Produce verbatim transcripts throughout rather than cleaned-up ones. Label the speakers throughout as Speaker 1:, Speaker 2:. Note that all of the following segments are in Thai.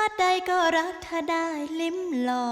Speaker 1: ติใดก็รักถ้าได้ลิ้มลอง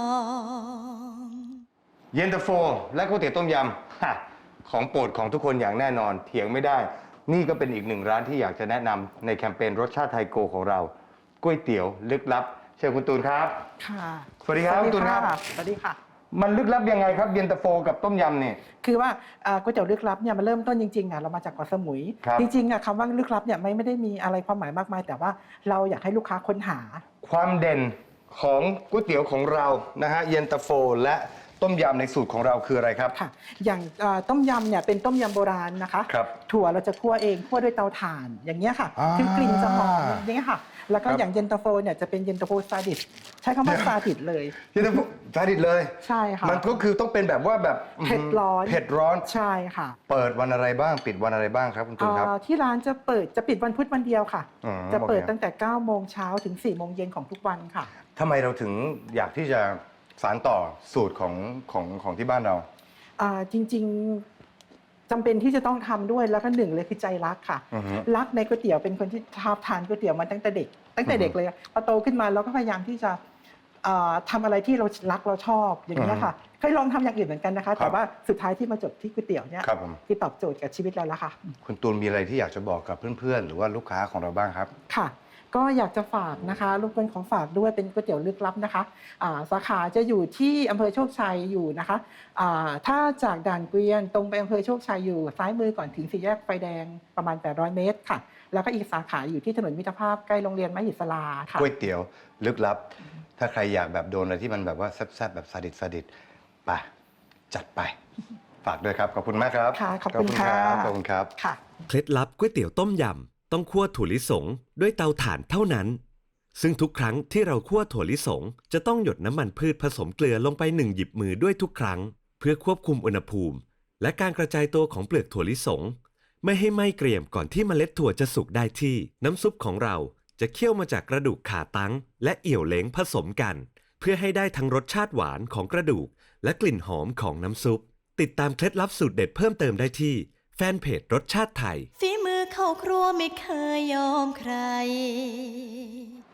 Speaker 2: เย็นตาโฟและก๋วยเตี๋ยวต้มยำฮะของโปรดของทุกคนอย่างแน่นอนเถียงไม่ได้ นี่ก็เป็นอีกหนึ่งร้านที่อยากจะแนะนำในแคมเปญรสชาติไทยโกของเราก๋วยเตี๋ยวลึกลับเชิญคุณตูนครับ
Speaker 3: ค่ะ
Speaker 2: สวัสดีครับคุณตูนครับ
Speaker 3: สวัสดีค่ะ
Speaker 2: มันลึกลับยังไงครับเย็นตาโฟกับต้มยำเนี่ย
Speaker 3: คือว่าอ่าก๋วยเตี๋ยวลึกลับเนี่ยมันเริ่มต้นจริงๆอ่ะเรามาจากเกาะสมุย
Speaker 2: ครับ
Speaker 3: จริงๆอ่ะคำว่าลึกลับเนี่ยไม่ไม่ได้มีอะไรความหมายมากมาย แต่ว่าเราอยากให้ลูกค้าค้นหา
Speaker 2: ความเด่นของก๋วยเตี๋ยวของเรานะฮะเย็นตาโฟและต้มยำในสูตรของเราคืออะไรครับ
Speaker 3: ค่ะ อย่างอ่าต้มยำเนี่ยเป็นต้มยำโบราณนะคะ
Speaker 2: ครับ
Speaker 3: ถั่วเราจะคั่วเองคั่วด้วยเตาถ่านอย่างเงี้ยค่ะ
Speaker 2: อ่า
Speaker 3: คือกลิ่นจะหอมอย่างเงี้ยค่ะ แล้วก็
Speaker 2: ครับ
Speaker 3: อย่างเย็นตาโฟเนี่ยจะเป็นเย็นตาโฟซาดิสใช้คำว่าซาดิสเลย
Speaker 2: เย็นตาโฟซาดิสเลย
Speaker 3: ใช่ค่ะ
Speaker 2: มันก็คือต้องเป็นแบบว่าแบบ
Speaker 3: เผ็ดร้อน
Speaker 2: เผ็ดร้อน
Speaker 3: ใช่ค่ะ
Speaker 2: เปิดวันอะไรบ้างปิดวันอะไรบ้างครับคุณตูนครับ
Speaker 3: อ่าที่ร้านจะเปิดจะปิดวันพุธวันเดียวค่ะ
Speaker 2: อืม
Speaker 3: จะเปิด
Speaker 2: โอเค
Speaker 3: ตั้งแต่เก้าโมงเช้าถึงสี่โมงเย็นของทุกวันค่ะ
Speaker 2: ทำไมเราถึงอยากที่จะสานต่อสูตรของของของที่บ้านเรา
Speaker 3: อ่าจริงๆจำเป็นที่จะต้องทำด้วยแล้วก็หนึ่งเลยคือใจรักค่ะ
Speaker 2: อือฮึ
Speaker 3: รักในก๋วยเตี๋ยวเป็นคนที่ชอบทานก๋วยเตี๋ยวมาตั้งแต่เด็ก ตั้งแต่
Speaker 2: อือฮึ
Speaker 3: เด็กเลยพอโตขึ้นมาเราก็พยายามที่จะอ่าทำอะไรที่เรารักเราชอบอย่างนี้ยค่ะเคยลองทำอย่างอื่นเหมือนกันนะคะ แต่ว่าสุดท้ายที่มาจบที่ก๋วยเตี๋ยวเนี่ย
Speaker 2: ครับผม
Speaker 3: คือตอบโจทย์กับชีวิตเราแล้วค่ะ
Speaker 2: คุณตูนมีอะไรที่อยากจะบอกกับเพื่อนๆ หรือว่าลูกค้าของเราบ้างครับ
Speaker 3: ค่ะ ก็อยากจะฝากนะคะรบกวนของฝากด้วยเป็นก๋วยเตี๋ยวลึกลับนะคะอ่าสาขาจะอยู่ที่อำเภอโชคชัยอยู่นะคะอ่าถ้าจากด่านเกวียนตรงไปอำเภอโชคชัยอยู่ซ้ายมือก่อนถึงสี่แยกไฟแดงประมาณแปดร้อยเมตรค่ะ แล้วก็อีกสาขาอยู่ที่ถนนมิตรภาพใกล้โรงเรียนมหิศลาค่ะ
Speaker 2: ก๋วยเตี๋ยวลึกลับ ถ้าใครอยากแบบโดนอะไรที่มันแบบว่าแซ่บๆแบบซาดิสซาดิสไปจัดไป ฝากด้วยครับ ขอบคุณมากครับ
Speaker 3: ค่ะขอบคุณค่ะ
Speaker 2: รับขอบคุณครับ
Speaker 3: ค่ะ
Speaker 4: เคล็ดลับก๋วยเตี๋ยวต้มยำต้องคั่วถั่วลิสงด้วยเตาถ่านเท่านั้น ซึ่งทุกครั้งที่เราคั่วถั่วลิสงจะต้องหยดน้ำมันพืชผสมเกลือลงไปหนึ่งหยิบมือด้วยทุกครั้ง เพื่อควบคุมอุณหภูมิ และการกระจายตัวของเปลือกถั่วลิสงไม่ให้ไหม้เกรียมก่อนที่เมล็ดถั่วจะสุกได้ที่ น้ำซุปของเราจะเคี่ยวมาจากกระดูกขาตั้งและเอี่ยวเล้งผสมกัน เพื่อให้ได้ทั้งรสชาติหวานของกระดูก และกลิ่นหอมของน้ำซุป ติดตามเคล็ดลับสูตรเด็ดเพิ่มเติมได้ที่แฟนเพจรสชาติไทย
Speaker 1: ฝีมือเข้าครัวไม่เคยยอมใคร